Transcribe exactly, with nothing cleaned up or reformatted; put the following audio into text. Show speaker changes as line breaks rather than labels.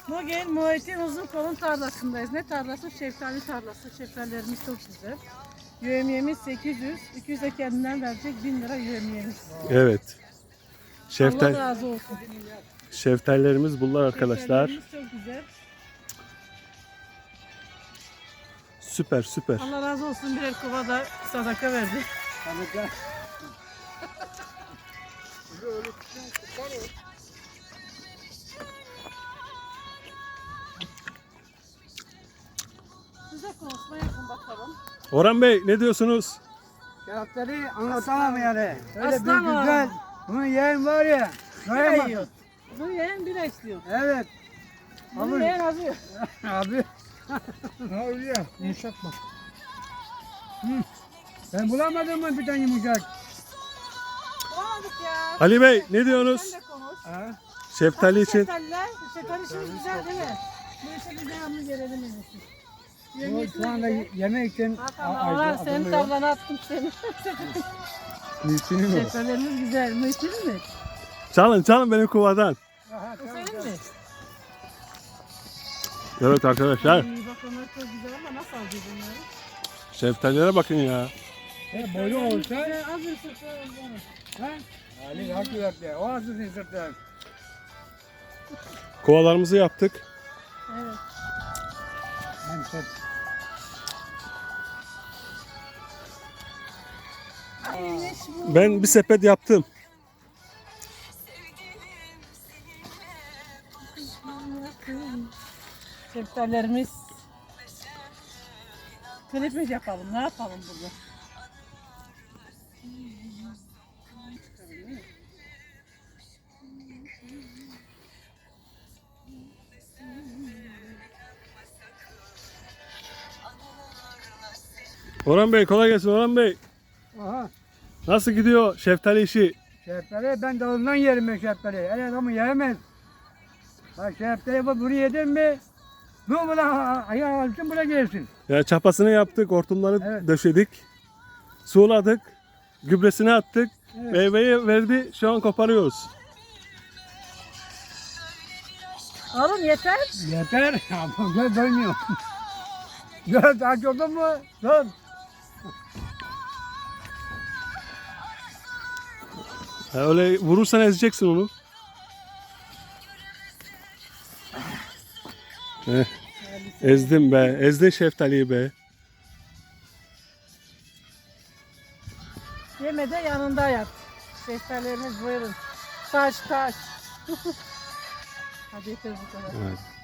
Bugün Muhittin Uzunkol'un tarlasındayız. Ne tarlası? Şeftali tarlası. Şeftalilerimiz çok güzel. Yövmiyemiz sekiz yüz. iki yüz de kendinden verecek. bin lira yövmiyemiz.
Evet. Şeftal,
Allah razı olsun.
şeftallerimiz bunlar arkadaşlar.
Şeftalilerimiz çok güzel.
Süper süper.
Allah razı olsun. Birer kova da sadaka verdi. Size konuşma yapın bakalım.
Orhan Bey ne diyorsunuz?
Kağıtları anlatamam yani. Öyle
Aslan
bir güzel.
oğlum.
Bunu yiyen var ya.
Bira
Doyamaz.
yiyor. Bu yeğen bira istiyor.
Evet.
Bunu
Abi.
yeğen azıyor.
Abi. Ne oluyor? Yumuşatma. Hı. Ben bulamadım mı bir tane yumuşak?
Olamadık ya.
Ali Bey ne diyorsunuz?
Sen de konuş.
Ha?
Şeftali için.
Şeftaliler, şeftali işimiz güzel değil mi? Bu işe biz devamlı gelelim en iyisi.
Bu
Yengesi
şu anda
güzel.
yemek için
Hakan Orhan senin tablana attım seni.
Mülkünü mü?
Şeftalilerimiz güzel. Mülkün mü?
Çalın çalın benim kovadan.
Bu senin mi?
Evet arkadaşlar.
İyi bak onlar çok güzel ama nasıl alacağız onları?
Şeftalilere bakın ya.
E, boyu olsa.
Güzel, az bir sırtı olsun.
Ha? Ali hakikaten. O azısın sırtlar.
Kovalarımızı yaptık.
Evet.
Ben sırt.
Neymiş bu?
Ben bir sepet yaptım.
Şeftalilerimiz. Klip mi yapalım? Ne yapalım burada?
Orhan Bey kolay gelsin Orhan Bey.
Aha.
Nasıl gidiyor şeftali işi?
Şeftali ben dalından yerim ben şeftali. El adamı yiyemez. Bak şeftali bu buraya yedin mi? Bu buna ayağı alsın buraya gelsin.
Ya çapasını yaptık, hortumları
Evet.
döşedik. Suladık, gübresini attık.
Evet.
Meyveyi verdi, şu an koparıyoruz.
Oğlum yeter.
Yeter. Gel dönmüyor. Gel aç oldun mu? Dön.
Ya öyle vurursan ezeceksin onu. Eh, ezdim be, ezdin şeftaliyi be.
Yeme de yanında yat. Şeftalilerimiz buyurun. Taş taş. Hadi yeter bu kadar.
Evet.